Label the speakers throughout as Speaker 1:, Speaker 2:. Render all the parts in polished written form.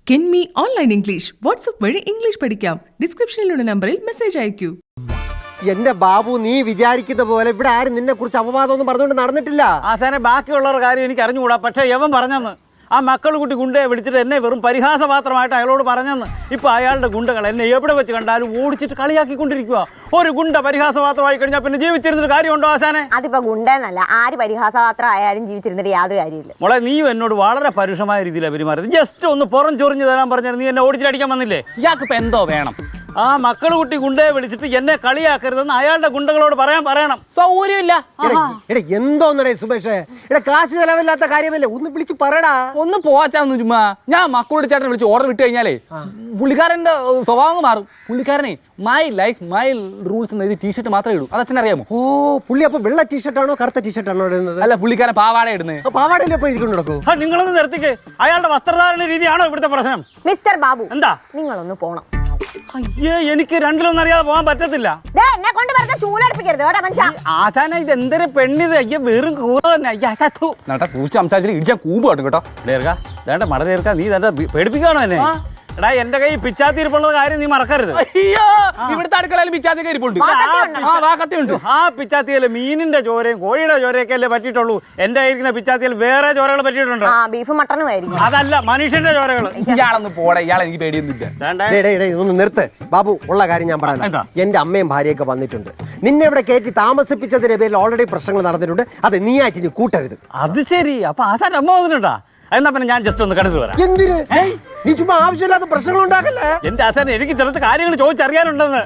Speaker 1: കെൻമി online English WhatsApp വഴി English പഠിക്കാം. ഡിസ്ക്രിപ്ഷനിലുള്ള നമ്പറിൽ മെസ്സേജ് അയക്കൂ.
Speaker 2: എന്റെ ബാബു, നീ വിചാരിക്കുന്ന പോലെ ഇവിടെ ആരും നിന്നെ കുറിച്ച് അപവാദമൊന്നും പറഞ്ഞുകൊണ്ട് നടന്നിട്ടില്ല.
Speaker 3: ആശാനെ, ബാക്കിയുള്ളവരുടെ കാര്യം എനിക്ക് അറിഞ്ഞുകൂടാ. പക്ഷേ യവൻ പറഞ്ഞെന്ന്, ആ മക്കൾ കുട്ടി ഗുണ്ടയെ വിളിച്ചിട്ട് എന്നെ വെറും പരിഹാസപാത്രമായിട്ട് അയാളോട് പറഞ്ഞെന്ന്. ഇപ്പൊ അയാളുടെ ഗുണ്ടകൾ എന്നെ എവിടെ വെച്ച് കണ്ടാലും ഓടിച്ചിട്ട് കളിയാക്കിക്കൊണ്ടിരിക്കുക. ഒരു ഗുണ്ട പരിഹാസപാത്രമായി കഴിഞ്ഞാൽ പിന്നെ ജീവിച്ചിരുന്നൊരു കാര്യമുണ്ടോ ആശാനെ?
Speaker 4: അതിപ്പോ ഗുണ്ടെന്നല്ല, ആര് പരിഹാസപാത്രം ആയാലും ജീവിച്ചിരുന്നിട്ട് യാതൊരു കാര്യമില്ല.
Speaker 3: മോളെ, നീ എന്നോട് വളരെ പരുഷമായ രീതിയിലാണ് പെരുമാറിയത്. ജസ്റ്റ് ഒന്ന് പുറം ചൊറിഞ്ഞു തരാൻ പറഞ്ഞാൽ നീ എന്നെ ഓടിച്ചിട്ടടിക്കാൻ വന്നില്ലേ? ഇയാൾക്ക് ഇപ്പൊ എന്തോ വേണം? ആ മക്കൾ കുട്ടി ഗുണ്ടയെ വിളിച്ചിട്ട് എന്നെ കളിയാക്കരുതെന്ന് അയാളുടെ ഗുണ്ടകളോട് പറയണം. സൗകര്യമില്ല.
Speaker 2: എന്തോന്നടേ സുബേഷേ, കാശ് ചെലവില്ലാത്ത കാര്യമല്ലേ, ഒന്ന് വിളിച്ച് പറയടാ.
Speaker 5: ഒന്ന് പോവാച്ചാന്ന് ചുമ്മാ. ഞാൻ മക്കളോട് ചേട്ടനെ വിളിച്ച് ഓർഡർ വിട്ട് കഴിഞ്ഞാലേ പുള്ളിക്കാരന്റെ സ്വഭാവം മാറും. പുള്ളിക്കാരനെ മൈ ലൈഫ് മൈ റൂൾസ് എന്ന ടീഷർട്ട് മാത്രമേ ഇടൂ. അത് അച്ഛൻ അറിയാമോ?
Speaker 2: ഓ, പുള്ളി അപ്പൊ വെള്ള ടീഷർട്ടാണോ കറുത്ത ടീഷർട്ടാണോ ഇടുന്നത്?
Speaker 5: അല്ല, പുള്ളിക്കാരൻ പാവാട ഇടുന്നത്.
Speaker 2: പാവാടയിലെ എഴുതിക്കൊണ്ട് നടക്കൂ.
Speaker 3: നിങ്ങളൊന്ന് നിർത്തിക്ക്. അയാളുടെ വസ്ത്രധാരണ രീതിയാണോ ഇവിടുത്തെ പ്രശ്നം?
Speaker 4: മിസ്റ്റർ ബാബു,
Speaker 3: എന്താ?
Speaker 4: നിങ്ങളൊന്ന് പോണം.
Speaker 3: അയ്യേ, എനിക്ക് രണ്ടിലൊന്നും അറിയാതെ പോകാൻ പറ്റത്തില്ല.
Speaker 4: എന്നെ കൊണ്ട് വെറുതെ ചൂലെടുപ്പിക്കരുത് കേട്ടോ മനുഷ്യ.
Speaker 3: ആശാന, ഇത് എന്തൊരു പെണ്ണിത്. അയ്യ, വെറും കൂറ തന്നെ.
Speaker 5: നേട്ടാ, സൂക്ഷിച്ച് സംസാരിച്ചിട്ട് ഇടിച്ചാൽ കൂമ്പ് കേട്ടോ കേട്ടോ.
Speaker 3: വേണ്ട മട ചേർക്കാ, നീ തന്നെ പേടിപ്പിക്കാണോ എന്നെ? എടാ, എന്റെ കൈ പിച്ചാത്തിരിപ്പുള്ള കാര്യം നീ മറക്കരുത്.
Speaker 5: അയ്യോ, ഇവിടുത്തെ അടുക്കളയിൽ പിച്ചാത്തി കരിപ്പുണ്ട്.
Speaker 3: ആ പിച്ചാത്തിയല്ലേ മീനിന്റെ ചോരയും കോഴിയുടെ ചോരയൊക്കെ അല്ലേ പറ്റിയിട്ടുള്ളൂ. എന്റെ കയ്യിരിക്കുന്ന പിച്ചാത്തിയിൽ വേറെ ചോരകൾ പറ്റിയിട്ടുണ്ട്.
Speaker 4: ബീഫ് മട്ടനും ആയിരിക്കും.
Speaker 3: അതല്ല, മനുഷ്യന്റെ ചോരകൾ.
Speaker 5: ഇയാളൊന്ന് പോടെ, ഇയാളെ എനിക്ക് പേടിയൊന്നുമില്ല.
Speaker 2: ഒന്ന് നിർത്ത് ബാബു. ഉള്ള കാര്യം ഞാൻ പറയാം. എന്റെ അമ്മയും ഭാര്യയൊക്കെ വന്നിട്ടുണ്ട്. നിന്നെ ഇവിടെ കയറ്റി താമസിപ്പിച്ചതിന്റെ പേരിൽ ഓൾറെഡി പ്രശ്നങ്ങൾ നടന്നിട്ടുണ്ട്. അത് നീ ആയിട്ട് ഇനി കൂട്ടരുത്.
Speaker 3: അത് ശരി. അപ്പൊ ആശാന്റെ അമ്മ വന്നിട്ടുണ്ടാ? എന്നാ പിന്നെ ഞാൻ ജസ്റ്റ് ഒന്ന് കണ്ടിട്ട് വരാം.
Speaker 2: എന്തിന്? നീ ചുമ്മാ ആവശ്യമില്ലാത്ത പ്രശ്നങ്ങൾ ഉണ്ടാക്കല്ലേ.
Speaker 3: എന്റെ ആശാനെ, എനിക്ക് ചിലത്തെ കാര്യങ്ങൾ ചോദിച്ചറിയാനുണ്ടെന്ന്.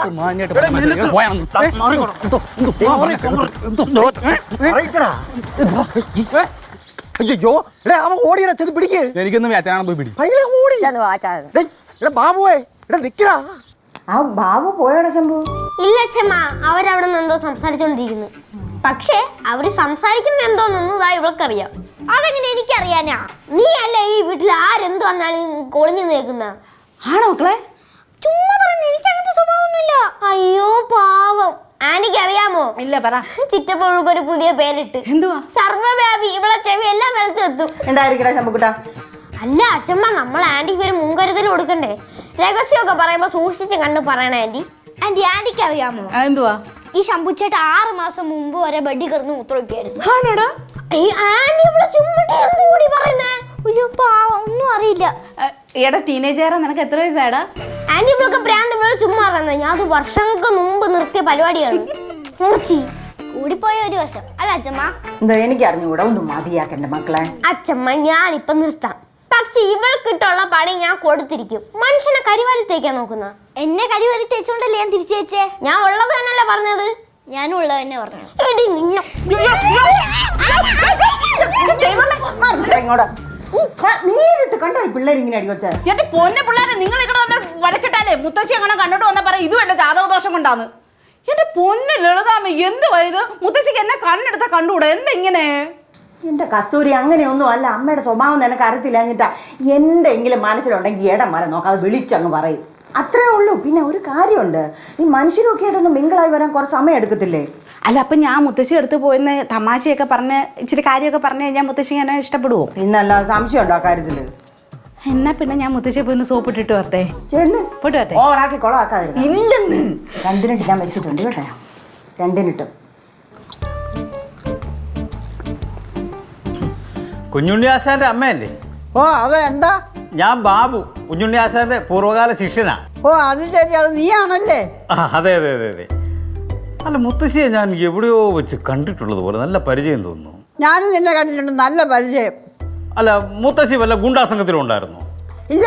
Speaker 2: അയ്യോ, അവൻ ഓടിയടാ, ചെന്ന് പിടിക്ക്.
Speaker 5: എനിക്കൊന്നും അച്ഛനാണ് പോയി പിടി.
Speaker 2: ബാബുവേ, നിക്കടാ.
Speaker 4: ആ ബാബു പോയോടെ ശംഭു?
Speaker 6: ഇല്ല അച്ഛമ്മ, അവരവിടെ നിന്ന് എന്തോ സംസാരിച്ചോണ്ടിരിക്കുന്നു. പക്ഷേ അവര് സംസാരിക്കുന്ന എന്തോന്നൊന്നും ഇതാ ഇവൾക്കറിയാം. അതെങ്ങനെ എനിക്കറിയാനാ? നീ അല്ലേ ഈ വീട്ടിൽ ആരെന്ത് വന്നാലും കൊളിഞ്ഞു നിൽക്കുന്ന?
Speaker 4: ആണോ മക്കളെ?
Speaker 6: ചുമ്മാ പറഞ്ഞു, എനിക്ക് അങ്ങനത്തെ സ്വഭാവമൊന്നുമില്ല. അയ്യോ പാവം. ആന്റിക്ക് അറിയാമോ?
Speaker 4: ഇല്ല, പറ.
Speaker 6: ചിറ്റപ്പോഴൊരു പുതിയ പേരിട്ട്.
Speaker 4: എന്തുവാ?
Speaker 6: സർവ്വവ്യാപി. ഇവളെ ചെവി എല്ലാ സ്ഥലത്തും എത്തും.
Speaker 4: എന്തായിരിക്കടാ ശംഭുക്കുട്ടാ?
Speaker 6: അല്ല അച്ഛമ്മ, നമ്മൾ ആന്റിക്ക് ഒരു മുൻകരുതൽ കൊടുക്കണ്ടേ? രഹസ്യമൊക്കെ പറയുമ്പോ സൂക്ഷിച്ച് കണ്ട് പറയണ ആന്റി. ആന്റിക്ക് അറിയാമോ
Speaker 4: എന്തുവാ?
Speaker 6: ഈ ശംഭുച്ചേട്ട 6 മാസം മുമ്പ് വരെ ബെഡി കിടന്ന് മൂത്രമൊക്കെയായിരുന്നു. ഒന്നും അറിയില്ല.
Speaker 4: എടാ, ടീനേജറാ, നിനക്ക് എത്ര വയസ്സാടാ?
Speaker 6: ആന്റി ഇവളൊക്കെ ഭ്രാന്ത് ചുമ്മാ പറയുന്നത്. ഞാൻ അത് വർഷങ്ങൾക്ക് മുമ്പ് നിർത്തിയ പരിപാടിയാണ്. കൂടിപ്പോയ ഒരു വർഷം. അല്ല അച്ഛമ്മ?
Speaker 4: എന്തോ എനിക്ക് അറിഞ്ഞുകൂടാ. ഒന്ന് മതിയാക്കണ്ട മക്കളെ.
Speaker 6: അച്ഛമ്മ, ഞാനിപ്പൊ നിർത്താം. പക്ഷെ ഇവൾക്കിട്ടുള്ള പണി ഞാൻ കൊടുത്തിരിക്കും. മനുഷ്യനെ കരിവാരി തേക്കാൻ നോക്കുന്ന എന്നെ കരിവാരി തേച്ചോണ്ടല്ലേ ഞാൻ തിരിച്ചു വെച്ചേ. ഞാൻ ഉള്ളത് തന്നെയല്ലേ പറഞ്ഞത്. ഞാനും ഉള്ളത് തന്നെ പറഞ്ഞു.
Speaker 4: നേരിട്ട് കണ്ടോ ഈ പിള്ളേർ ഇങ്ങനെ അടിവച്ച? എന്റെ പൊന്നെ പിള്ളേരെ, നിങ്ങൾ ഇവിടെ വന്ന് വരക്കിട്ടാലേ മുത്തശ്ശി അങ്ങനെ കണ്ടോട്ട് വന്നാ പറയാം ഇതും എന്റെ ജാതകദോഷം കൊണ്ടാന്ന്. എന്റെ പൊന്നെ ലളിതാമ്മ, എന്തുവാ ഇത്? മുത്തശ്ശിക്ക് എന്നെ കണ്ണെടുത്താ കണ്ടുകൂടാ. എന്തെങ്ങനെ? എൻ്റെ കസ്തൂരി, അങ്ങനെയൊന്നും അല്ല. അമ്മയുടെ സ്വഭാവം നിനക്ക് അറിയത്തില്ല. എന്നിട്ടാ എന്തെങ്കിലും മനസ്സിലുണ്ടെങ്കിൽ ഇടം വരെ നോക്കാം, അത് വിളിച്ചങ്ങ് പറയും. അത്രേ ഉള്ളൂ. പിന്നെ ഒരു കാര്യമുണ്ട്, ഈ മനുഷ്യരൊക്കെ ആയിട്ടൊന്ന് മിങ്കിളായി വരാൻ കുറച്ച് സമയം എടുക്കത്തില്ലേ? അല്ല, അപ്പം ഞാൻ മുത്തശ്ശി എടുത്ത് പോയെന്ന് തമാശയൊക്കെ പറഞ്ഞ് ഇച്ചിരി കാര്യമൊക്കെ പറഞ്ഞു കഴിഞ്ഞാൽ മുത്തശ്ശി എന്നെ ഇഷ്ടപ്പെടുവോ? പിന്നല്ല, സംശയമുണ്ടോ ആ കാര്യത്തിൽ? എന്നാ പിന്നെ ഞാൻ മുത്തശ്ശിയെ പോയി സോപ്പിട്ടിട്ട് വരട്ടെ. പോയിട്ട് വരട്ടെ. ഓവറാക്കി കൊളമാക്കാതില്ല. ഇല്ലെന്ന് 2 ഞാൻ വെച്ചിട്ടുണ്ട് കേട്ടോ. 2
Speaker 3: കുഞ്ഞുണ്ണി ആശാന്റെ അമ്മയല്ലേ?
Speaker 7: ഓ, അതെ. എന്താ?
Speaker 3: ഞാൻ ബാബു, കുഞ്ഞുണ്ണി ആശാന്റെ പൂർവ്വകാല ശിഷ്യനാ.
Speaker 7: ഓ, അത് ശരി. അത് നീയാണല്ലേ?
Speaker 3: അതെ അതെ അതെ അതെ. അല്ല, മുത്തശ്ശിയെ ഞാൻ എവിടെയോ വെച്ച് കണ്ടിട്ടുള്ളത് പോലെ നല്ല പരിചയം തോന്നുന്നു.
Speaker 7: ഞാനും നിന്നെ കണ്ടിട്ടുണ്ട്, നല്ല പരിചയം.
Speaker 3: അല്ല, മുത്തശ്ശി വല്ല ഗുണ്ടാ സംഘത്തിലും ഉണ്ടായിരുന്നോ?
Speaker 7: ഇല്ല.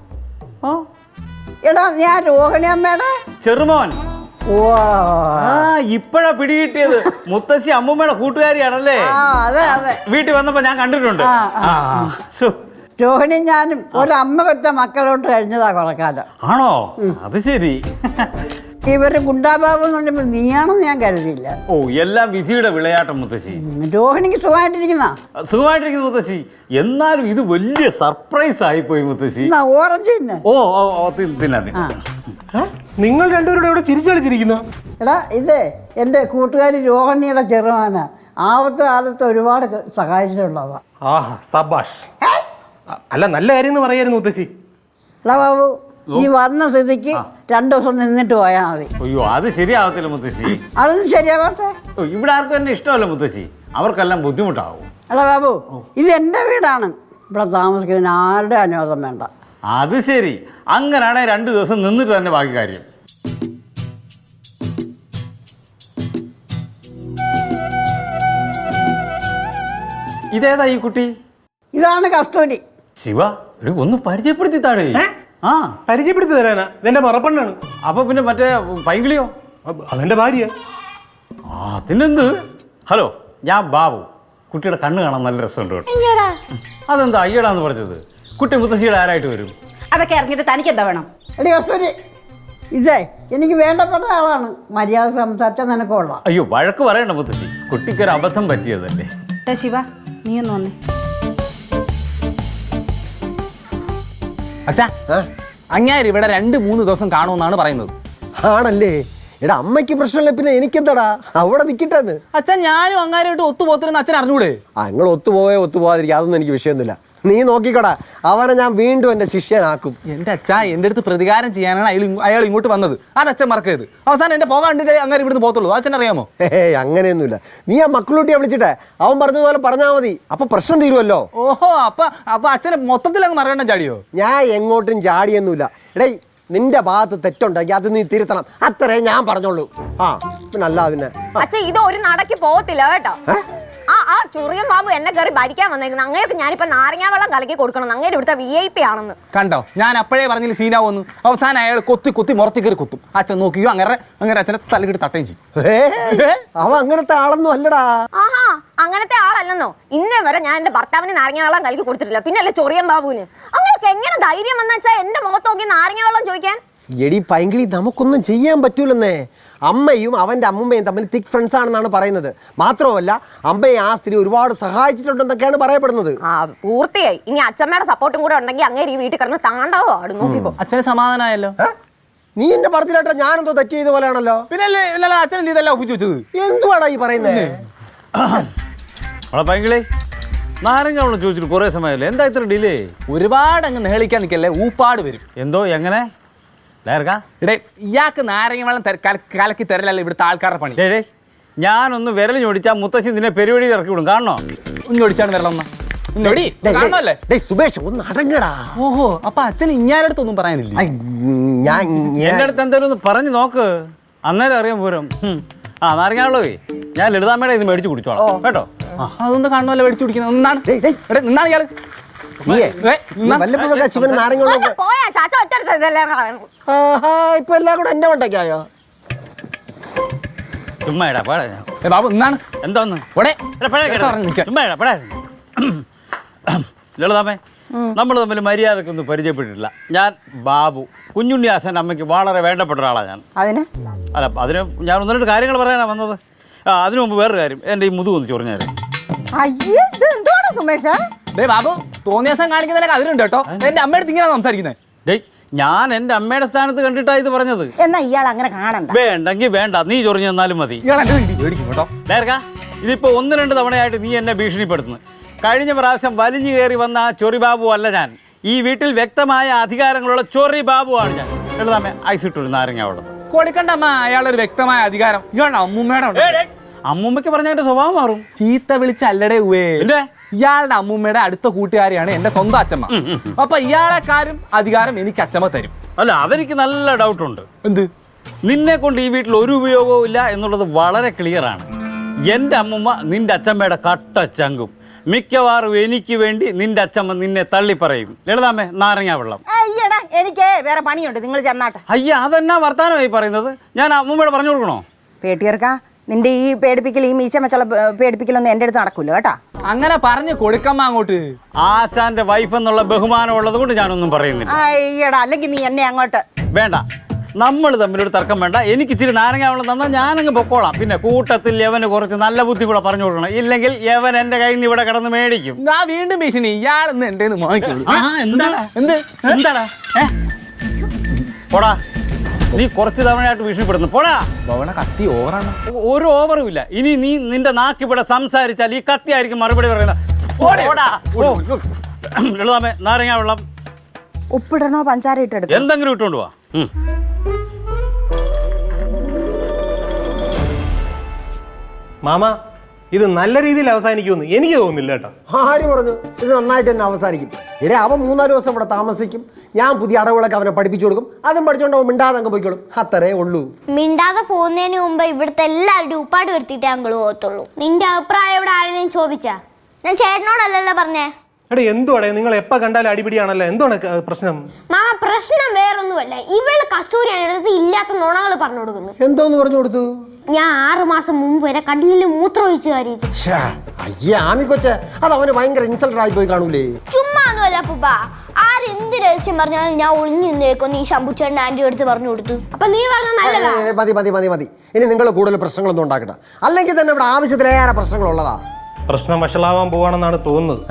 Speaker 7: എടാ, ഞാൻ രോഹിണി അമ്മയുടെ
Speaker 3: ചെറുമോൻ.
Speaker 7: ഓ,
Speaker 3: ഇപ്പഴാ പിടികിട്ടിയത്. മുത്തശ്ശി അമ്മൂമ്മയുടെ കൂട്ടുകാരിയാണല്ലേ?
Speaker 7: അതെ അതെ.
Speaker 3: വീട്ടിൽ വന്നപ്പോ ഞാൻ കണ്ടിട്ടുണ്ട്.
Speaker 7: രോഹിണി ഞാനും ഒരമ്മ പെറ്റ മക്കളോട്ട് കഴിഞ്ഞതാ കുറെ കാലം.
Speaker 3: ആണോ? അത് ശരി.
Speaker 7: ഇവര് ഗുണ്ടാബാബു എന്ന് പറഞ്ഞപ്പോൾ നീയാണെന്ന് ഞാൻ കരുതിയില്ല.
Speaker 3: ഓ, എല്ലാം വിധിയുടെ വിളയാട്ടം മുത്തശ്ശി.
Speaker 7: രോഹിണിക്ക് സുഖമായിട്ടിരിക്കുന്ന?
Speaker 3: സുഖമായിട്ടിരിക്കുന്നു മുത്തശ്ശി. എന്നാലും ഇത് വലിയ സർപ്രൈസ് ആയിപ്പോയി മുത്തശ്ശി.
Speaker 7: ഓറഞ്ച് തന്നെ.
Speaker 3: ഓ, തിന്നാ.
Speaker 2: നിങ്ങൾ രണ്ടുപേരുടെ ഇവിടെ ചിരിച്ചളിച്ചിരിക്കുന്നു.
Speaker 7: എടാ, ഇത് എൻ്റെ കൂട്ടുകാരി രോഹിണിയുടെ ചെറുമാനാ. ആപത്ത് കാലത്ത് ഒരുപാട് സഹായിച്ചിട്ടുള്ളതാ.
Speaker 2: സബാഷ്. അല്ല, നല്ല കാര്യം എന്ന് പറയായിരുന്നു മുത്തശ്ശി.
Speaker 7: എടാ ബാബു നീ വന്ന സ്ഥിതിക്ക് 2 ദിവസം നിന്നിട്ട് പോയാൽ മതി.
Speaker 3: അയ്യോ അത് ശരിയാവത്തില്ല മുത്തശ്ശി.
Speaker 7: അതൊന്നും ശരിയാവാത്തെ.
Speaker 3: ഇവിടെ ആർക്കും എന്നെ ഇഷ്ടമല്ല മുത്തശ്ശി, അവർക്കെല്ലാം ബുദ്ധിമുട്ടാവും.
Speaker 7: എടാ ബാബു ഇത് എൻ്റെ വീടാണ്, ഇവിടെ താമസിക്കുന്നതിന് ആരുടെ അനുവാദം വേണ്ട.
Speaker 3: അത് ശരി, അങ്ങനെയാണെങ്കിൽ 2 ദിവസം നിന്നിട്ട് തന്നെ ബാക്കി കാര്യം. ഇതേതാ ഈ കുട്ടി?
Speaker 7: ഇതാണ് കസ്തൂരി.
Speaker 3: ശിവ ഒന്ന് പരിചയപ്പെടുത്തി താഴെ.
Speaker 8: ആ പരിചയപ്പെടുത്തി തരാനാ, ഇതെന്റെ മറപ്പെണ്ണാണ്.
Speaker 3: അപ്പൊ പിന്നെ മറ്റേ പൈങ്കിളിയോ?
Speaker 8: അതെന്റെ ഭാര്യ.
Speaker 3: അതിനെന്ത്? ഹലോ, ഞാൻ ബാബു. കുട്ടിയുടെ കണ്ണ് കാണാൻ നല്ല രസമുണ്ട് കേട്ടോ. അതെന്താ അയ്യടാന്ന് പറഞ്ഞത്? കുട്ടി മുത്തശ്ശിയുടെ ആരായിട്ട് വരും?
Speaker 4: അതൊക്കെ ഇറങ്ങിയിട്ട് തനിക്ക് എന്താ വേണം?
Speaker 7: എടി കസ്തൂരി, ഇതേ എനിക്ക് വേണ്ടപ്പെട്ട ആളാണ്, മര്യാദ സംസാരിച്ചാൽ നിനക്ക് കൊള്ളാം.
Speaker 3: അയ്യോ വഴക്ക് പറയണ്ട മുത്തശ്ശി, കുട്ടിക്കൊരു അബദ്ധം പറ്റിയതല്ലേ.
Speaker 4: ശിവ നീ ഒന്ന് വന്നേ.
Speaker 5: അച്ഛാ അങ്ങാര് ഇവിടെ 2-3 ദിവസം കാണുമെന്നാണ് പറയുന്നത്.
Speaker 2: ആണല്ലേ? എടാ അമ്മയ്ക്ക് പ്രശ്നമില്ല, പിന്നെ എനിക്കെന്താടാ, അവിടെ നിൽക്കിട്ടെന്ന്.
Speaker 5: അച്ഛൻ ഞാനും അങ്ങാരായിട്ട് ഒത്തുപോത്തിരുന്ന അച്ഛൻ അറിഞ്ഞൂടെ?
Speaker 2: നിങ്ങൾ ഒത്തുപോകാതിരിക്കുക, അതൊന്നും എനിക്ക് വിഷയമൊന്നുമില്ല. നീ നോക്കിക്കോടാ, അവനെ ഞാൻ വീണ്ടും എൻ്റെ ശിഷ്യനാക്കും.
Speaker 5: എൻ്റെ അച്ഛാ എൻ്റെ അടുത്ത് പ്രതികാരം ചെയ്യാനാണ് അയാൾ ഇങ്ങോട്ട് വന്നത്. അത് അച്ഛൻ മറക്കരുത്. അവസാനം എൻ്റെ പോകാണ്ടിട്ട് അങ്ങനെ ഇവിടുന്ന് പോകത്തുള്ളൂ. അച്ഛൻ അറിയാമോ?
Speaker 2: അങ്ങനെയൊന്നുമില്ല. നീ ആ മക്കളൂട്ടിയെ വിളിച്ചിട്ടെ അവൻ പറഞ്ഞതുപോലെ പറഞ്ഞാൽ മതി, അപ്പൊ പ്രശ്നം തീരുമല്ലോ.
Speaker 5: ഓഹോ, അപ്പൊ അച്ഛനെ മൊത്തത്തിൽ അങ്ങ് മറകണ്ണം ചാടിയോ?
Speaker 2: ഞാൻ എങ്ങോട്ടും ചാടിയൊന്നുമില്ല. എടേ നിന്റെ ഭാഗത്ത് തെറ്റുണ്ടെങ്കിൽ അത് നീ തിരുത്തണം, അത്രേ ഞാൻ പറഞ്ഞോളൂ. പിന്നെ അല്ല പിന്നെ
Speaker 9: അച്ഛാ ഇത് ഒരു നടക്ക് പോകത്തില്ല കേട്ടോ. ആ ചുറിയൻ ബാബു എന്നെ കയറി ഭരിക്കാൻ വന്നേക്കുന്നത്. അങ്ങേർക്ക് ഞാനിപ്പോ നാരങ്ങാ വെള്ളം കലക്കി കൊടുക്കണം. അങ്ങേര് ഇവിടുത്തെ VIP ആണെന്ന്
Speaker 5: കണ്ടോ? ഞാൻ അപ്പോഴേ പറഞ്ഞില്ല സീനാവെന്ന്. അവസാനം അയാൾ കൊത്തി മുറത്തി കയറി കുത്തും. അച്ഛൻ നോക്കിയോ അങ്ങനെ അച്ഛനെ തലകിട്ട് തട്ടയും ചെയ്യും.
Speaker 2: അവൻ അങ്ങനത്തെ ആളൊന്നും അല്ലടാ.
Speaker 9: ആഹാ അങ്ങനത്തെ ആളല്ലെന്നോ? ഇന്നേ വരെ ഞാൻ എന്റെ ഭർത്താവിന് നാരങ്ങാ വെള്ളം കലക്കി കൊടുത്തിട്ടില്ല, പിന്നെ അല്ലേ ചൊറിയൻ ബാബുവിന്. അങ്ങനെയൊക്കെ എങ്ങനെ ധൈര്യം വന്ന വെച്ചാൽ എന്റെ മുഖത്ത് നോക്കി നാരങ്ങാ വെള്ളം ചോദിക്കാൻ?
Speaker 2: എടി പൈങ്കിളി, നമുക്കൊന്നും ചെയ്യാൻ പറ്റൂലെന്നേ. അമ്മയും അവൻ്റെ അമ്മുമ്മയും തമ്മിൽ തിക് ഫ്രണ്ട്സ് ആണെന്നാണ് പറയുന്നത്. മാത്രമല്ല അമ്മയെ ആ സ്ത്രീ ഒരുപാട് സഹായിച്ചിട്ടുണ്ടെന്നൊക്കെയാണ് പറയപ്പെടുന്നത്.
Speaker 9: പൂർത്തിയായി. ഇനി അച്ഛമ്മയുടെ സപ്പോർട്ടും കൂടെ ഉണ്ടെങ്കിൽ അങ്ങേര് ഈ വീട്ടിൽ കിടന്ന് താണ്ടാവോ ആടും. നോക്കിക്കോ.
Speaker 5: അച്ഛന് സമാധാനമായല്ലോ.
Speaker 2: നീ എന്നെ പറഞ്ഞില്ലാട്ടോ, ഞാനെന്തോ തെറ്റ് ചെയ്ത പോലെയാണല്ലോ.
Speaker 5: പിന്നെ അച്ഛൻ ഇതെല്ലാം ഒപ്പിച്ചു വെച്ചത്
Speaker 2: എന്തുവാടാ ഈ പറയുന്നത്?
Speaker 3: പൈങ്കിളി നാരങ്ങ വെള്ളം ചോദിച്ചിട്ട് കുറെ സമയമല്ലേ, എന്താ ഇത്ര ഡിലേ?
Speaker 5: ഒരുപാട് അങ്ങ് നേളിക്കാൻ നിൽക്കല്ലേ, ഊപ്പാട് വരും.
Speaker 3: എന്തോ എങ്ങനെ
Speaker 5: ഇടേ ഇയാൾക്ക് നാരങ്ങ വെള്ളം കലക്കി തരലല്ലേ ഇവിടുത്തെ ആൾക്കാരുടെ പണി.
Speaker 3: ഡേ ഞാനൊന്ന് വിരൽ ഞൊടിച്ചാൽ മുത്തശ്ശി നിന്നെ പെരുവഴിയിൽ ഇറക്കി വിടും. കാണണോ?
Speaker 5: ഒന്നൊടിച്ചാണ് വിരലൊന്ന
Speaker 2: സുബേഷ് ഒന്ന് അടങ്ങടാ.
Speaker 5: ഓഹോ, അപ്പൊ അച്ഛൻ ഇങ്ങാരടുത്തൊന്നും പറയാനില്ല.
Speaker 3: എന്റെ അടുത്ത് എന്തായാലും ഒന്ന് പറഞ്ഞു നോക്ക്, അന്നേരം അറിയാൻ പോരും. നാരങ്ങ വെള്ളമേ ഞാൻ ലളിതാമ്മയുടെ ഇത് മേടിച്ച് കുടിച്ചോളാം കേട്ടോ.
Speaker 5: അതൊന്നും കാണുമല്ലോ മേടിച്ചു കുടിക്കുന്നത്. നിന്നാണ് ഇയാള്
Speaker 2: ശിവന് നാരങ്ങ ഇപ്പൊ എല്ലാം കൂടെ എന്റെ വണ്ടയ്ക്കായോ?
Speaker 3: ചുമ്മാ
Speaker 5: ബാബു നിന്നാണ്
Speaker 3: എന്താന്ന് ലളിതാമ്മേ, നമ്മൾ തമ്മിൽ മര്യാദക്കൊന്നും പരിചയപ്പെട്ടിട്ടില്ല. ഞാൻ ബാബു, കുഞ്ഞുണ്ണി ആശാൻ്റെ അമ്മയ്ക്ക് വളരെ വേണ്ടപ്പെട്ട ഒരാളാണ് ഞാൻ. അതിന് ഞാൻ 1-2 കാര്യങ്ങൾ പറയാനാണ് വന്നത്. അതിനു മുമ്പ് വേറൊരു കാര്യം, എൻ്റെ ഈ മുതുകൊന്ന് ചൊറിഞ്ഞാൽ.
Speaker 5: ബാബു തോന്നിയ ദിവസം കാണിക്കുന്നതിനൊക്കെ അതിലുണ്ട് കേട്ടോ. എന്റെ അമ്മയുടെ ഇങ്ങനെ സംസാരിക്കുന്നത്.
Speaker 3: ഡേയ് ഞാൻ എൻ്റെ അമ്മയുടെ സ്ഥാനത്ത് കണ്ടിട്ടാണ് ഇത് പറഞ്ഞത്.
Speaker 4: എന്നാ ഇയാൾ അങ്ങനെ കാണണ്ട.
Speaker 3: വേണ്ടെങ്കിൽ വേണ്ട, നീ ചൊറിഞ്ഞു തന്നാലും മതി. ഇതിപ്പോ 1-2 തവണയായിട്ട് നീ എന്നെ ഭീഷണിപ്പെടുത്തുന്നു. കഴിഞ്ഞ പ്രാവശ്യം വലിഞ്ഞു കയറി വന്ന ആ ചൊറി ബാബു അല്ല ഞാൻ. ഈ വീട്ടിൽ വ്യക്തമായ അധികാരങ്ങളുള്ള ചൊറി ബാബു ആണ് ഞാൻ. എഴുതാമേ ഐസിട്ടൊരു നാരങ്ങ വെള്ളം
Speaker 5: കൊടുക്കണ്ട അമ്മ. അയാളൊരു വ്യക്തമായ അധികാരം അമ്മൂമ്മയുടെ.
Speaker 3: അമ്മൂമ്മയ്ക്ക് പറഞ്ഞ എന്റെ സ്വഭാവം മാറും.
Speaker 5: ചീത്ത വിളിച്ചല്ലടേ ഇയാളുടെ അമ്മൂമ്മയുടെ അടുത്ത കൂട്ടുകാരിയാണ് എന്റെ സ്വന്തം അച്ഛമ്മ. അപ്പൊ ഇയാളെക്കാരും അധികാരം എനിക്ക് അച്ഛമ്മ തരും.
Speaker 3: അല്ല അതെനിക്ക് നല്ല ഡൗട്ടുണ്ട്.
Speaker 5: എന്ത്?
Speaker 3: നിന്നെ കൊണ്ട് ഈ വീട്ടിൽ ഒരു ഉപയോഗവും ഇല്ല എന്നുള്ളത് വളരെ ക്ലിയർ ആണ്. എൻ്റെ അമ്മൂമ്മ നിന്റെ അച്ഛമ്മയുടെ കട്ട ചങ്കും. മിക്കവാറും എനിക്ക് വേണ്ടി നിന്റെ അച്ഛമ്മ നിന്നെ തള്ളി പറയും. ലളിതാമ്മേ നാരങ്ങ വെള്ളം.
Speaker 4: അയ്യടാ എനിക്ക് വേറെ പണിയുണ്ട്, നിങ്ങൾ ചെന്നാട്ടെ.
Speaker 3: അയ്യ അതെന്നാ വർത്താനമായി പറയുന്നത്? ഞാൻ അമ്മൂമ്മയോട് പറഞ്ഞു കൊടുക്കണോ?
Speaker 4: പേട്ടിയർക്കാ നിന്റെ ഈ പേടിപ്പിക്കൽ, ഈ മീശ വെച്ചുള്ള പേടിപ്പിക്കലൊന്നും എൻ്റെ അടുത്ത് നടക്കൂല കേട്ടാ.
Speaker 5: അങ്ങനെ പറഞ്ഞു കൊടുക്കമ്മ അങ്ങോട്ട്.
Speaker 3: ആശാന്റെ വൈഫ് എന്നുള്ള ബഹുമാനം ഉള്ളത് കൊണ്ട് ഞാനൊന്നും പറയുന്നില്ല.
Speaker 4: അയ്യടാ അല്ലെങ്കിൽ നീ എന്നെ അങ്ങോട്ട്
Speaker 3: വേണ്ട, നമ്മൾ തമ്മിലൊരു തർക്കം വേണ്ട. എനിക്ക് ഇച്ചിരി നാരങ്ങ വെള്ളം തന്നാൽ ഞാനങ്ങ് പൊക്കോളാം. പിന്നെ കൂട്ടത്തിൽ യവന് കുറച്ച് നല്ല ബുദ്ധി കൂടെ പറഞ്ഞു കൊടുക്കണം. ഇല്ലെങ്കിൽ യവൻ എന്റെ കയ്യിൽ നിന്ന് ഇവിടെ കിടന്ന് മേടിക്കും.
Speaker 5: ഞാൻ വീണ്ടും ഭീഷണി. ഇയാളെന്ന് എന്റെ
Speaker 3: എന്താടാ പോടാ, നീ കുറച്ച് തവണയായിട്ട് ഭീഷണിപ്പെടുന്നു. പോടാ.
Speaker 5: കത്തി ഓവറാണ്.
Speaker 3: ഒരു ഓവറും ഇല്ല. ഇനി നീ നിന്റെ നാക്കിവിടെ സംസാരിച്ചാൽ ഈ കത്തി ആയിരിക്കും മറുപടി പറയുന്നത്. ലളിതാമ്മേ നാരങ്ങ വെള്ളം.
Speaker 4: ഉപ്പിടണോ പഞ്ചാര ഇട്ടെടുക്കും?
Speaker 3: എന്തെങ്കിലും ഇട്ടുകൊണ്ട് പോവാ.
Speaker 8: മാമ ഇത് നല്ല രീതിയിൽ അവസാനിക്കുമെന്ന് എനിക്ക് തോന്നുന്നില്ല കേട്ടോ.
Speaker 2: ആര് പറഞ്ഞു ഇത് നന്നായിട്ട് തന്നെ അവസാനിക്കും? ഇടേ അവൻ 3-4 ദിവസം ഇവിടെ താമസിക്കും, ഞാൻ പുതിയ അടവുകളൊക്കെ അവനെ പഠിപ്പിച്ചു കൊടുക്കും, അതും പഠിച്ചോണ്ട് അവൻ മിണ്ടാതെ അങ്ങ് പോയിക്കോളും. അത്രേ ഉള്ളൂ.
Speaker 6: മിണ്ടാതെ പോകുന്നതിന് മുമ്പ് ഇവിടുത്തെ എല്ലാവരുടെയും ഉപ്പാട് വരുത്തിയിട്ടേ അങ്കിള് പോകത്തുള്ളൂ. നിന്റെ അഭിപ്രായം ഇവിടെ ആരെങ്കിലും ചോദിച്ചാ? ഞാൻ ചേട്ടനോടല്ലല്ലോ പറഞ്ഞേ.
Speaker 8: എടേ എന്തുവാടേ നിങ്ങൾ എപ്പോൾ കണ്ടാലും അടിപിടിയാണല്ലോ, എന്താണ് പ്രശ്നം?
Speaker 6: മാമ പ്രശ്നം വേറൊന്നുമല്ല, ഇവള് കസ്തൂരിയുടെ അടുത്ത് ഇല്ലാത്ത നുണകൾ പറഞ്ഞു കൊടുക്കുന്നു.
Speaker 2: എന്തോന്ന് പറഞ്ഞു കൊടുത്തു?
Speaker 6: ഞാൻ 6 മാസം മുമ്പ് വരെ കണ്ണിൽ മൂത്രം ഒഴിച്ചു കാര്യത്തിൽ.
Speaker 2: അയ്യേ ആമി കൊച്ചെ, അത് അവന് ഭയങ്കര ഇൻസൾട്ടഡ് ആയി പോയി കാണൂലേ?
Speaker 6: ചുമ്മാ ഒന്നുമല്ല അപ്പൂപ്പ, ആരെന്ത് രഹസ്യം പറഞ്ഞാലും ഞാൻ ഒളിഞ്ഞു നിന്നേക്കൊന്ന് ഈ ശമ്പുച്ചേട്ടൻ ആന്റി അടുത്ത് പറഞ്ഞു കൊടുത്തു. അപ്പൊ നീ പറഞ്ഞ നല്ലതാ.
Speaker 2: മതി മതി മതി മതി, ഇനി നിങ്ങൾ കൂടുതൽ പ്രശ്നങ്ങളൊന്നും ഉണ്ടാക്കട്ടെ, അല്ലെങ്കിൽ തന്നെ ഇവിടെ ആവശ്യത്തിലേറെ പ്രശ്നങ്ങളുള്ളതാ.
Speaker 8: പ്രശ്നം വഷളാവാൻ പോവാണെന്നാണ് തോന്നുന്നത്.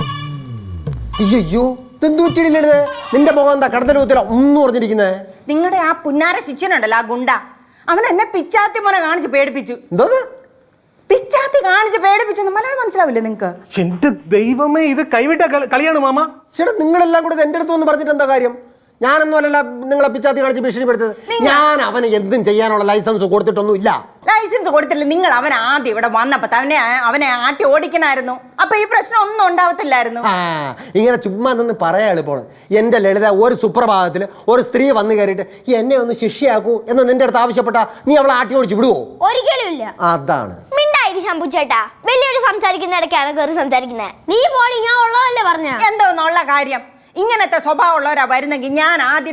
Speaker 2: അയ്യോ തെന്തൂറ്റിടില്ലേ, നിന്റെ മുഖം എന്താ കടത്തലൂത്തില ഒന്നും പറഞ്ഞിരിക്കുന്നേ?
Speaker 4: നിങ്ങളുടെ ആ പുന്നാര ശിഷ്യനുണ്ടല്ലോ, ആ ഗുണ്ട, അവൻ എന്നെ പിച്ചാത്തി മോനെ കാണിച്ച് പേടിപ്പിച്ചു.
Speaker 2: എന്തോന്ന്
Speaker 4: പിച്ചാത്തി കാണിച്ച് പേടിപ്പിച്ചെന്ന് മലയാളം മനസ്സിലാവില്ലേ നിങ്ങക്ക്?
Speaker 8: എന്റെ ദൈവമേ, ഇത് കൈവിട്ട കളിയാണ് മാമ.
Speaker 2: ചേട്ടാ നിങ്ങളെല്ലാം കൂടെ എൻ്റെ അടുത്ത് വന്ന് പറഞ്ഞിട്ട് എന്താ കാര്യം? ഞാനൊന്നും അല്ലല്ല നിങ്ങളെ പിച്ചാത്തി കാണിച്ച് ഭീഷണിപ്പെടുത്തത്. ഞാൻ അവന് എന്തും ചെയ്യാനുള്ള ലൈസൻസ് കൊടുത്തിട്ടൊന്നും ഇല്ല.
Speaker 4: ലൈസൻസ് കൊടുത്തില്ല. നിങ്ങൾ അവൻ ആദ്യം ഇവിടെ വന്നപ്പോ അവനെ ആട്ടി ഓടിക്കണായിരുന്നു, അപ്പൊ ഈ പ്രശ്നം ഒന്നും ഉണ്ടാവത്തില്ലായിരുന്നു.
Speaker 2: ഇങ്ങനെ ചുമ്മാ നിന്ന് പറയാ എളുപ്പമാണ്. എൻ്റെ ലളിത ഒരു സുപ്രഭാതത്തിൽ ഒരു സ്ത്രീ വന്നു കയറിയിട്ട് എന്നെ ഒന്ന് ശിക്ഷയാക്കൂ എന്ന് നിന്റെ അടുത്ത് ആവശ്യപ്പെട്ടാ നീ അവളെ ആട്ടി ഓടിച്ച് വിടുവോ?
Speaker 6: ഒരിക്കലും ഇല്ല.
Speaker 2: അതാണ്
Speaker 6: മിണ്ടായി ശമ്പുച്ചേട്ടാ, വലിയൊരു സംസാരിക്കുന്ന ഇടയ്ക്കാണ് കയറി സംസാരിക്കുന്നത്. നീ പോടി, ഞാൻ ഉള്ളതല്ലേ പറഞ്ഞ.
Speaker 4: എന്തോന്നുള്ള കാര്യം? ഇങ്ങനത്തെ സ്വഭാവമുള്ളവരാ വരുന്നെങ്കിൽ ഞാൻ ആദ്യ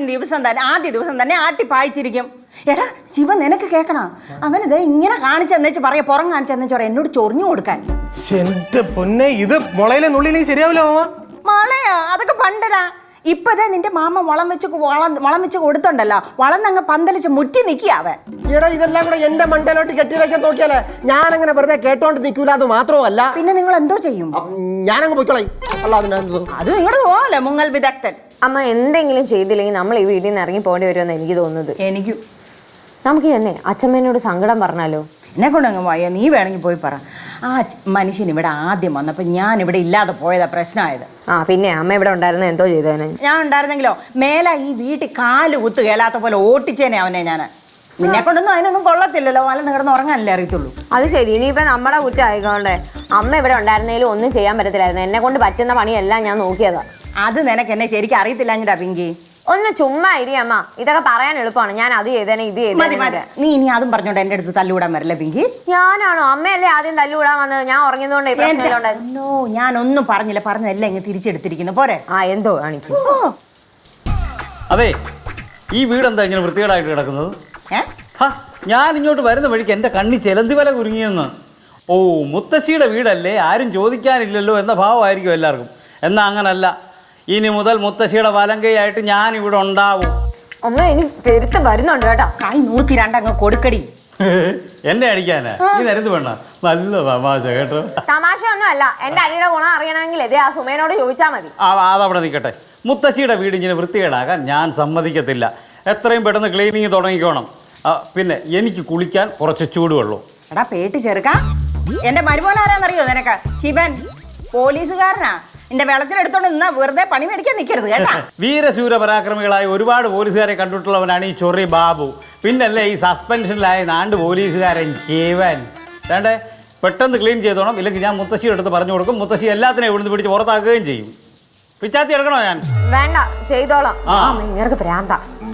Speaker 4: ദിവസം തന്നെ ആട്ടി പായിച്ചിരിക്കും. എടാ ശിവ, നിനക്ക് കേൾക്കണം, അവനിത് ഇങ്ങനെ കാണിച്ചെന്നു പറയാ, പുറം കാണിച്ചെന്നു പറയാ, എന്നോട് ചൊറിഞ്ഞു കൊടുക്കാൻ.
Speaker 8: എന്റെ പൊന്നെ, ഇത് മുളയിലെ നുള്ളിലേക്ക് ശരിയാവില്ല മാമ.
Speaker 4: മളയാ, അതൊക്കെ പണ്ടടാ. ഇപ്പതേ നിന്റെ മാമ വളം വെച്ച് കൊടുത്തുണ്ടല്ലോ, വളർന്നങ്ങ് പന്തലിച്ച് മുറ്റി നിൽക്കിയാവേ.
Speaker 2: എടാ ഇതെല്ലാം കൂടെ എന്റെ മണ്ടയിലോട്ട് കെട്ടിവെക്കാൻ നോക്കിയാലേ ഞാനങ്ങനെ വെറുതെ കേട്ടോണ്ട് നിൽക്കൂല. അത് മാത്രമല്ല,
Speaker 4: പിന്നെ നിങ്ങൾ എന്തോ ചെയ്യും?
Speaker 2: ഞാനങ്ങ് പോയിക്കോളാം. അല്ല
Speaker 4: അത് നിങ്ങളുടെ പോലെ മുങ്ങൽ വിദഗ്ധൻ.
Speaker 9: അമ്മ എന്തെങ്കിലും ചെയ്തില്ലെങ്കിൽ നമ്മൾ ഈ വീട്ടിൽ നിന്ന് ഇറങ്ങി പോകേണ്ടി വരുമെന്ന് എനിക്ക് തോന്നുന്നത്.
Speaker 4: എനിക്കും.
Speaker 9: നമുക്ക് തന്നെ അച്ഛമ്മേനോട് സങ്കടം പറഞ്ഞാലോ?
Speaker 4: എന്നെ കൊണ്ടങ്ങ് പോയ, നീ വേണമെങ്കിൽ പോയി പറ. ആ മനുഷ്യൻ ഇവിടെ ആദ്യം വന്നപ്പോൾ ഞാൻ ഇവിടെ ഇല്ലാതെ പോയതാ പ്രശ്നമായത്.
Speaker 9: പിന്നെ അമ്മ ഇവിടെ ഉണ്ടായിരുന്ന എന്തോ ചെയ്തേനെ?
Speaker 4: ഞാൻ ഉണ്ടായിരുന്നെങ്കിലോ മേല ഈ വീട്ടിൽ കാല് കുത്ത് കേലാത്ത പോലെ ഓട്ടിച്ചേനെ അവനെ ഞാൻ. നിന്നെ കൊണ്ടൊന്നും അതിനൊന്നും കൊള്ളത്തില്ലല്ലോ, വല്ല നിങ്ങളുടെ ഉറങ്ങാനല്ലേ അറിയത്തുള്ളൂ.
Speaker 9: അത് ശരി, ഇനിയിപ്പോ നമ്മുടെ കുറ്റം ആയിക്കോണ്ടേ. അമ്മ ഇവിടെ ഉണ്ടായിരുന്നേലും ഒന്നും ചെയ്യാൻ പറ്റത്തില്ലായിരുന്നു. എന്നെ കൊണ്ട് പറ്റുന്ന പണിയെല്ലാം ഞാൻ നോക്കിയതാ.
Speaker 4: അത് നിനക്ക് എന്നെ ശരിക്കും അറിയത്തില്ല പിങ്കി.
Speaker 9: ഒന്ന് ചുമ്മാ ഇരി അമ്മ, ഇതൊക്കെ പറയാൻ എളുപ്പമാണ്. ഞാൻ അത് ചെയ്തേനെ ഇത് ചെയ്തേനെ.
Speaker 4: നീ ഇനി അതും പറഞ്ഞോണ്ട് എന്റെ അടുത്ത് തല്ലുകൂടാൻ വരില്ല പിങ്കി.
Speaker 9: ഞാനാണോ? അമ്മയല്ലേ ആദ്യം തല്ലുകൂടാൻ വന്നത്. ഞാൻ ഉറങ്ങിയതുകൊണ്ട്
Speaker 4: ഞാനൊന്നും പറഞ്ഞില്ല, പറഞ്ഞതല്ല ഇങ്ങ് തിരിച്ചെടുത്തിരിക്കുന്നു പോരെ.
Speaker 9: എന്തോ കാണിക്കും.
Speaker 3: അതെ, ഈ വീടെന്താ ഇങ്ങനെ വൃത്തികേടായിട്ട് കിടക്കുന്നത്? ഞാൻ ഇങ്ങോട്ട് വരുന്ന വഴിക്ക് എൻ്റെ കണ്ണി ചെലന്തി വല കുരുങ്ങിയെന്ന്. ഓ, മുത്തശ്ശിയുടെ വീടല്ലേ, ആരും ചോദിക്കാനില്ലല്ലോ എന്ന ഭാവമായിരിക്കും എല്ലാവർക്കും. എന്നാൽ അങ്ങനല്ല, ഇനി മുതൽ മുത്തശ്ശിയുടെ വലങ്കയായിട്ട് ഞാൻ ഇവിടെ ഉണ്ടാവും.
Speaker 9: അമ്മ ഇനി പെരുത്ത് വരുന്നുണ്ട് കേട്ടോ.
Speaker 4: കൈ 102 അങ്ങ് കൊടുക്കടി.
Speaker 3: എന്നെ അടിക്കാനാ ഈ നേരത്ത് വേണ്ട? നല്ല തമാശ കേട്ടോ.
Speaker 9: തമാശ ഒന്നും അല്ല. എന്റെ അടിയുടെ ഗുണം അറിയണമെങ്കിൽ ആ സുമേനോട് ചോദിച്ചാൽ മതി.
Speaker 3: അതവിടെ നിൽക്കട്ടെ. മുത്തശ്ശിയുടെ വീട് ഇങ്ങനെ വൃത്തികേടാക്കാൻ ഞാൻ സമ്മതിക്കത്തില്ല. എത്രയും പെട്ടെന്ന് ക്ലീനിങ് തുടങ്ങിക്കോണം. പിന്നെ എനിക്ക് കുളിക്കാൻ കുറച്ച് ചൂടുവെള്ളം.
Speaker 4: എടാ പേട്ടി ചെറുക്കാ, എന്റെ മരുമോനാരാന്നറിയോ നിനക്ക്? ശിവൻ, പോലീസുകാരനാ. എന്റെ വെളച്ചിലെടുത്തോണ്ട് നിന്നാ വെറുതെ പണി മേടിക്കാൻ നിൽക്കരുത് കേട്ടാ.
Speaker 3: വീരശൂര പരാക്രമികളായ ഒരുപാട് പോലീസുകാരെ കണ്ടിട്ടുള്ളവനാണ് ഈ ചൊറി ബാബു. പിന്നല്ലേ ഈ സസ്പെൻഷനിലായ നാണ്ട് പോലീസുകാരൻ ജീവൻ. വേണ്ടേ, പെട്ടെന്ന് ക്ലീൻ ചെയ്തോണം, ഇല്ലെങ്കിൽ ഞാൻ മുത്തശ്ശിയുടെ അടുത്ത് പറഞ്ഞു കൊടുക്കും. മുത്തശ്ശി എല്ലാത്തിനെയും ഇവിടുന്ന് പിടിച്ച് പുറത്താക്കുകയും ചെയ്യും. പിച്ചാത്തി എടുക്കണോ ഞാൻ?
Speaker 9: വേണ്ട, ചെയ്തോളാം. ഇങ്ങനെ പ്രാന്ത.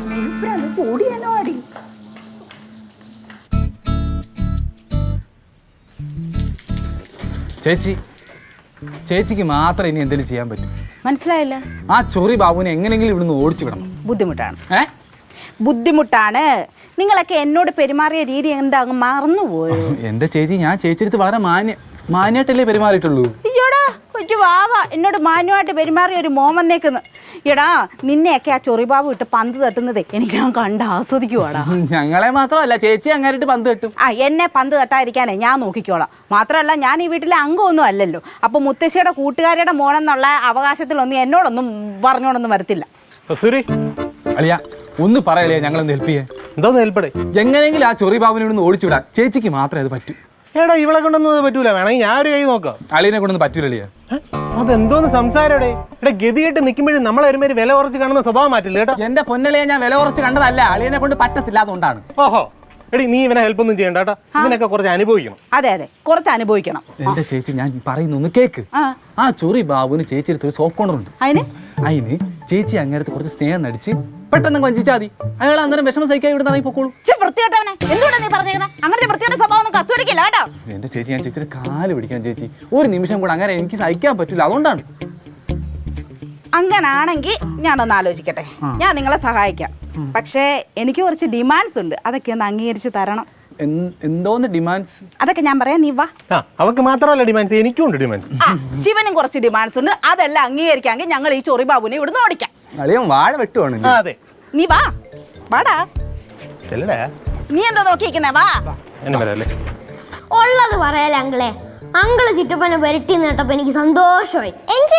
Speaker 5: ചേച്ചിക്ക് മാത്രം ഇനി എന്തെങ്കിലും ചെയ്യാൻ പറ്റും.
Speaker 4: മനസ്സിലായില്ല?
Speaker 5: ആ ചൊറി ബാബുവിനെ എങ്ങനെയെങ്കിലും ഇവിടുന്ന് ഓടിച്ചു വിടണം.
Speaker 4: ബുദ്ധിമുട്ടാണ്. നിങ്ങളൊക്കെ എന്നോട് പെരുമാറിയ രീതി എന്താ അങ്ങ് മറന്നുപോയോ?
Speaker 5: എന്റെ ചേച്ചി, ഞാൻ ചേച്ചിയെടുത്ത് വളരെ മാന്യമായിട്ടല്ലേ പെരുമാറിയിട്ടുള്ളൂ.
Speaker 4: അയ്യോടാ കൊച്ചു വാവ, എന്നോട് മാന്യമായിട്ട് പെരുമാറിയ ഒരു മോൻ വന്നേക്കുന്നു. എടാ നിന്നെയൊക്കെ ആ ചൊറിബാബു ഇട്ട് പന്ത് തട്ടുന്നത് എനിക്ക് ഞാൻ കണ്ട് ആസ്വദിക്കുവാടാ.
Speaker 5: ഞങ്ങളെ മാത്രമല്ല, ചേച്ചി അങ്ങായിട്ട് പന്ത് തട്ടും.
Speaker 4: എന്നെ പന്ത് തട്ടാതിരിക്കാനേ ഞാൻ നോക്കിക്കോളാം. മാത്രമല്ല ഞാൻ ഈ വീട്ടിലെ അംഗമൊന്നും അല്ലല്ലോ. അപ്പൊ മുത്തശ്ശിയുടെ കൂട്ടുകാരുടെ മോനെന്നുള്ള അവകാശത്തിലൊന്നും എന്നോടൊന്നും പറഞ്ഞോടൊന്നും വരത്തില്ല.
Speaker 5: അളിയ ഒന്ന് പറയളിയാ, ഞങ്ങളൊന്ന് ഹെൽപ്പ് ചെയ്യാൻ.
Speaker 8: എന്താ ഹെൽപ്പടേ?
Speaker 5: എങ്ങനെയെങ്കിലും ആ ചൊറി ബാബുവിനെ ഇവിടുന്ന് ഓടിച്ചു വിടാൻ ചേച്ചിക്ക് മാത്രമേ അത് പറ്റൂ.
Speaker 8: എടാ ഇവളെ കൊണ്ടൊന്നും പറ്റൂല, വേണമെങ്കിൽ ഞാൻ ഒരു കൈ നോക്കാം.
Speaker 5: അളിയനെ കൊണ്ടൊന്നും പറ്റൂലേ?
Speaker 8: അതെന്തോന്ന് സംസാരടെ? എടാ ഗതികെട്ട് നിൽക്കുമ്പോഴും നമ്മളെ ഒരുമാതിരി വില കുറച്ച് കാണുന്ന സ്വഭാവം മാറ്റില്ല കേട്ടോ.
Speaker 5: എന്റെ പൊന്നളിയെ ഞാൻ വില കുറച്ച് കണ്ടതല്ല, അളിയനെ കൊണ്ട് പറ്റത്തില്ല, അതുകൊണ്ടാണ്.
Speaker 8: ഓഹോ എടി നീ ഇവനെ ഹെൽപ്പ് ഒന്നും ചെയ്യണ്ട കേട്ടോ, ഇവനൊക്കെ കുറച്ച് അനുഭവിക്കണം.
Speaker 4: അതെ കുറച്ച് അനുഭവിക്കണം.
Speaker 5: എന്റെ ചേച്ചി ഞാൻ പറയുന്നു കേക്ക്. ആ ചൊറി ബാബുവിന് ചേച്ചി ഒരു സോഫ്റ്റ് കോർണർ ഉണ്ട്. അതിന് ചേച്ചി അങ്ങനത്തെ കുറച്ച് സ്നേഹം നടിച്ച് പെട്ടെന്ന് വഞ്ചിച്ചാൽ മതി. അയാൾ അന്നേരം വിഷമം സഹിക്കാൻ ഇവിടെ നിന്ന് പൊക്കോളൂ.
Speaker 4: വൃത്തിയായിട്ടവനെ എന്തുകൊണ്ടാ നീ പറഞ്ഞേക്കുന്നത്? അങ്ങനത്തെ വൃത്തിയുടെ സ്വഭാവം കസ്തൂരിക്കില്ല കേട്ടോ.
Speaker 5: എന്റെ ചേച്ചി, ഞാൻ ചേച്ചിയുടെ കാല് പിടിക്കാൻ ചേച്ചി, ഒരു നിമിഷം കൂടെ അങ്ങനെ എനിക്ക് സഹിക്കാൻ പറ്റില്ല, അതുകൊണ്ടാണ്.
Speaker 4: അങ്ങനാണെങ്കിൽ ഞാനൊന്ന് ആലോചിക്കട്ടെ, ഞാൻ നിങ്ങളെ സഹായിക്കാം. പക്ഷേ എനിക്ക് കുറച്ച് ഡിമാൻഡ്സ് ഉണ്ട്, അതൊക്കെ ഒന്ന് അംഗീകരിച്ച് തരണം.
Speaker 5: എന്തോന്ന് ഡിമാൻഡ്സ്?
Speaker 4: അതൊക്കെ ഞാൻ പറയാം, നീ വാ.
Speaker 8: അവർക്ക് മാത്രമല്ല ഡിമാൻഡ്സ്, എനിക്കും ഉണ്ട് ഡിമാൻഡ്സ്.
Speaker 4: ശിവനും കുറച്ച് ഡിമാൻഡ്സ് ഉണ്ട്, അതെല്ലാം അംഗീകരിക്കാമെങ്കിൽ ഞങ്ങൾ ഈ ചൊറി ബാബുവിനെ ഇവിടുന്ന് ഓടിക്കാം.
Speaker 5: അളിയൻ വാഴ വെട്ടുവാണ്.
Speaker 8: അതെ
Speaker 4: നീ വാ, വാടാ. നീ എന്താ നോക്കിയിരിക്കുന്നേ? വാ.
Speaker 6: ഉള്ളത് പറയാലേ അങ്കിളെ. അങ്കിള് ചിറ്റപ്പനെ വരട്ടി നേട്ടപ്പോ എനിക്ക് സന്തോഷമായി.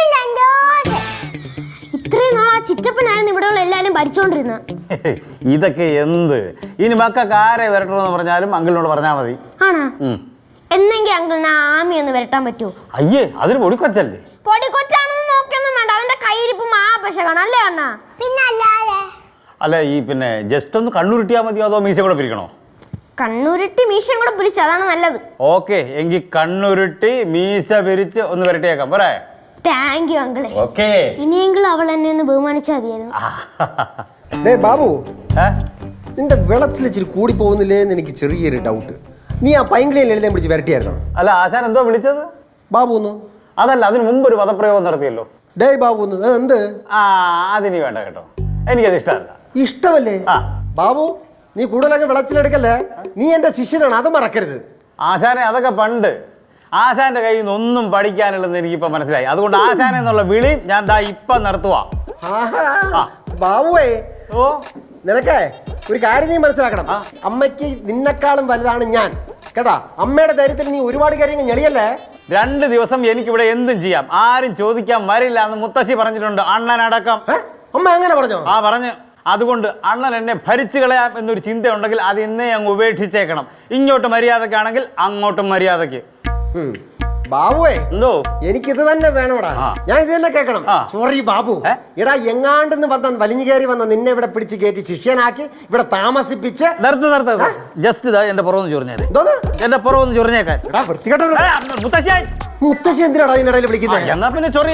Speaker 6: ഇത്രയും നാൾ ആ ചിറ്റപ്പനായിരുന്നു ഇവിടെയുള്ള എല്ലാരും ഭരിച്ചോണ്ടിരുന്നത്.
Speaker 3: ഇതൊക്കെ എന്ത്? ഇനി മക്കൾക്ക് ആരെ വരട്ടണമെന്ന് പറഞ്ഞാലും അങ്കിളിനോട് പറഞ്ഞാൽ മതി.
Speaker 6: ആണോ? എന്നെങ്കിൽ അങ്കിളിന് ആമി ഒന്ന് വരട്ടാൻ പറ്റുമോ?
Speaker 3: അയ്യേ, അതിന് പൊടിക്കൊച്ചല്ലേ?
Speaker 6: പൊടിക്കൊച്ചാണെന്ന് നോക്കിയൊന്നും വേണ്ട, അവന്റെ കയ്യിരിപ്പ് മാപശകാണ് അല്ലേ അണ്ണാ? പിന്നെ അല്ലാതെ
Speaker 3: അല്ല, ഈ പിന്നെ ജസ്റ്റ് ഒന്ന് കണ്ണുരുട്ടിയാൽ മതിയോ അതോ മീശ കൂടെ പിരിക്കണോ?
Speaker 6: കണ്ണുരുട്ടി മീശയും കൂടെ പിരിച്ച്, അതാണ് നല്ലത്.
Speaker 3: ഓക്കെ, എങ്കിൽ കണ്ണുരുട്ടി മീശ പിരിച്ച് ഒന്ന് വരട്ടിയേക്കാം പോരെ?
Speaker 6: താങ്ക് യു അങ്കിളെ.
Speaker 3: ഓക്കെ,
Speaker 6: ഇനിയെങ്കിലും അവൾ എന്നെ ഒന്ന് ബഹുമാനിച്ചാൽ മതിയായിരുന്നു.
Speaker 2: ഡേ ബാബു, നിന്റെ വിളച്ചിൽ ഇച്ചിരി കൂടി പോകുന്നില്ലേ എന്ന് എനിക്ക് ചെറിയൊരു ഡൗട്ട്. നീ ആ പൈങ്കിളിയിൽ എഴുതാൻ പിടിച്ച് വരട്ടിയായിരുന്നോ?
Speaker 3: അല്ല, ആശാൻ എന്തോ വിളിച്ചത്?
Speaker 2: ബാബു ഒന്ന്.
Speaker 3: അതല്ല, അതിന് മുമ്പ് ഒരു പദപ്രയോഗം നടത്തിയല്ലോ.
Speaker 2: ഡേ ബാബു ഒന്ന്. എന്ത്?
Speaker 3: അതിന് വേണ്ട കേട്ടോ, എനിക്കത് ഇഷ്ടമല്ല.
Speaker 2: ഇഷ്ടമല്ലേ? ബാബു, നീ കൂടുതലൊക്കെ വിളച്ചിലെടുക്കല്ലേ, നീ എന്റെ ശിഷ്യനാണ്, അത് മറക്കരുത്.
Speaker 3: ആശാനെ, അതൊക്കെ പണ്ട്. ആശാന്റെ കയ്യിൽ നിന്ന് ഒന്നും പഠിക്കാനുള്ളതെന്ന് എനിക്കിപ്പോ മനസ്സിലായി. അതുകൊണ്ട് ആശാനെ എന്നുള്ള വിളി ഞാൻ ദാ ഇപ്പൊ നടത്തുവാ.
Speaker 2: ബാബുവേ, നിനക്കേ ഒരു കാര്യം നീ മനസ്സിലാക്കണം. അമ്മയ്ക്ക് നിന്നെക്കാളും വലുതാണ് ഞാൻ കേട്ടാ. അമ്മയുടെ ധൈര്യത്തിൽ നീ ഒരുപാട് കാര്യങ്ങൾ ഞെളിയല്ലേ.
Speaker 3: 2 ദിവസം എനിക്കിവിടെ എന്തും ചെയ്യാം, ആരും ചോദിക്കാൻ വരില്ല എന്ന് മുത്തശ്ശി പറഞ്ഞിട്ടുണ്ട്, അണ്ണനടക്കം.
Speaker 2: അമ്മ അങ്ങനെ പറഞ്ഞോ?
Speaker 3: പറഞ്ഞു. അതുകൊണ്ട് അണ്ണൻ എന്നെ ഭരിച്ചു കളയാം എന്നൊരു ചിന്ത ഉണ്ടെങ്കിൽ അത് ഇന്നേ അങ്ങ് ഉപേക്ഷിച്ചേക്കണം. ഇങ്ങോട്ട് മര്യാദക്കാണെങ്കിൽ അങ്ങോട്ടും മര്യാദക്ക്.
Speaker 2: ബാബുവേ,
Speaker 3: എന്തോ
Speaker 2: എനിക്കിത് തന്നെ വേണോടാ. ഞാൻ ഇത് തന്നെ കേൾക്കണം. സോറി ബാബു. എടാ, എങ്ങാണ്ടെന്ന് വന്ന വലിഞ്ഞു കയറി വന്ന നിന്നെ ഇവിടെ പിടിച്ച് കയറ്റി ശിഷ്യനാക്കി ഇവിടെ താമസിപ്പിച്ച്
Speaker 3: ജസ്റ്റ് ഇതാ എന്റെ പുറമൊന്ന് ചൊറിഞ്ഞേരെ. എന്റെ പുറമൊന്ന് ചൊറിഞ്ഞേക്കാൻ.
Speaker 2: മുത്തശ്ശി എന്തിനാടാ ഇതിനിടയിൽ വിളിക്കുന്നത്?
Speaker 3: എന്നാ പിന്നെ ചൊറി.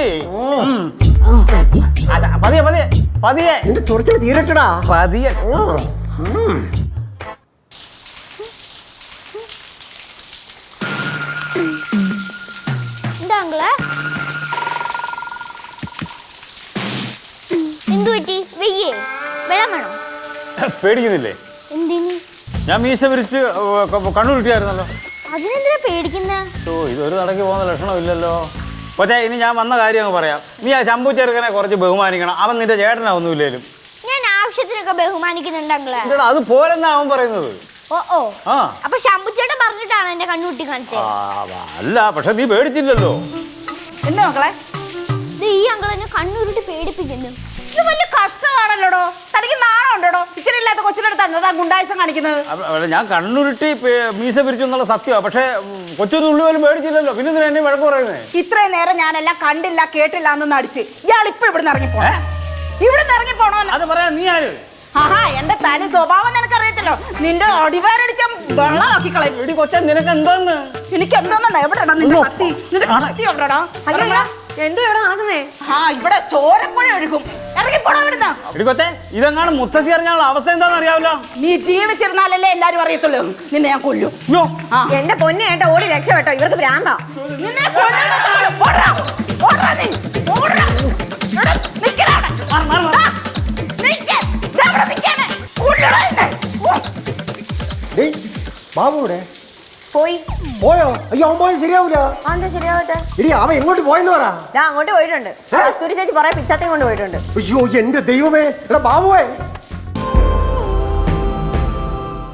Speaker 3: പതിയെ പതിയെ പതിയെ
Speaker 2: നിന്റെ ചൊറിച്ചിൽ തീരട്ടടാ.
Speaker 3: പതിയെ. പേടിക്കുന്നില്ലേ? ഞാൻ മീശ വിരിച്ച് കണ്ണുരുട്ടിയായിരുന്നല്ലോ.
Speaker 6: അതിനെന്തിനാ പേടിക്കുന്നേ?
Speaker 3: ഇതൊരു നടക്കി പോകുന്ന ലക്ഷണമില്ലല്ലോ. പക്ഷേ ഇനി ഞാൻ വന്ന കാര്യം അങ്ങ് പറയാം. നീ ആ ചമ്പു ചെറുക്കനെ കുറച്ച് ബഹുമാനിക്കണം. അവൻ നിന്റെ ചേട്ടനാ ഒന്നുമില്ലേലും.
Speaker 6: ഞാൻ ആവശ്യത്തിനൊക്കെ ബഹുമാനിക്കുന്നുണ്ട് അങ്കിളെ.
Speaker 3: അത് പോരെന്നാ അവൻ പറയുന്നത്.
Speaker 6: അപ്പൊ ശമ്പുച്ചേട്ടൻ പറഞ്ഞിട്ടാണ് എന്റെ കണ്ണുകുട്ടി കാണിച്ചത്?
Speaker 3: അല്ല, പക്ഷെ നീ പേടിച്ചില്ലല്ലോ.
Speaker 4: എന്താ മക്കളെ,
Speaker 6: ഈ അങ്കിൾ എന്നെ കണ്ണുരുട്ടി പേടിപ്പിക്കുന്നു.
Speaker 4: ഇത് വലിയ കഷ്ടമാണല്ലോടോ. തനിക്ക് നാണം ഉണ്ടോടോ? ഇച്ചിരി ഇല്ലാത്ത കൊച്ചിനെടുത്ത് എന്നതാ ഗുണ്ടായിസം കാണിക്കുന്നത്.
Speaker 3: ഞാൻ കണ്ണുരുട്ടി മീശ പിരിച്ചു എന്നുള്ള സത്യമാണ്. പക്ഷെ കൊച്ചൊന്നും പോലും പേടിച്ചില്ലല്ലോ. പിന്നെ എന്നെ വഴക്ക് പറയുന്നേ.
Speaker 4: ഇത്രയും നേരം ഞാനെല്ലാം കണ്ടില്ല കേട്ടില്ല എന്ന് നടിച്ച് ഇയാൾ ഇപ്പൊ ഇവിടുന്ന് ഇറങ്ങിപ്പോണേ. ഇവിടുന്ന് ഇറങ്ങിപ്പോണോ?
Speaker 3: അത് പറയാ നീ ആര്?
Speaker 4: ആഹാ, എന്റെ തനി സ്വഭാവം നിനക്കറിയത്തില്ലോ. നിന്റെ അടിവാരടിച്ച വെള്ളമാക്കി കളയും.
Speaker 3: കൊച്ചൻ നിനക്ക് എന്താന്ന്?
Speaker 4: എനിക്ക് എന്താ? എവിടെടാ നിന്റെ കത്തി? നിന്റെ കത്തി എവിടെടാ?
Speaker 9: എന്തോ ഇവിടെ നടക്കുന്നേ?
Speaker 4: ഇവിടെ ചോരപ്പുഴ ഒഴുകും. ഇറങ്ങിപ്പോണോ ഇവിടുന്ന്?
Speaker 3: ഇടിക്കൊത്തെ, ഇതെങ്ങാണ് മുത്തശ്ശി അറിഞ്ഞാലുള്ള അവസ്ഥ എന്താന്ന് അറിയാമല്ലോ.
Speaker 4: നീ ജീവിച്ചിരുന്നാലല്ലേ എല്ലാരും അറിയത്തുള്ളൂ. നിന്നെ ഞാൻ കൊല്ലും.
Speaker 9: എന്റെ പൊന്നെ ഏട്ടാ, ഓടി രക്ഷപ്പെട്ടോ, ഇവർക്ക് ഭ്രാന്താ.
Speaker 4: നിന്നെ
Speaker 2: ബാബുവിടെ
Speaker 9: പോയോ?
Speaker 2: അയ്യോ, അവൻ പോയി ശരിയാവൂല.
Speaker 9: ശരിയാവട്ടെ.
Speaker 2: ഇടി, അവൻ എങ്ങോട്ട് പോയെന്ന് പറ.
Speaker 9: അങ്ങോട്ട് പോയിട്ടുണ്ട്. കസ്തൂരി ചേച്ചി കുറെ പിച്ചാത്തയും കൊണ്ട് പോയിട്ടുണ്ട്.
Speaker 2: അയ്യോ, എന്റെ ദൈവമേ. എടാ ബാബുവേ,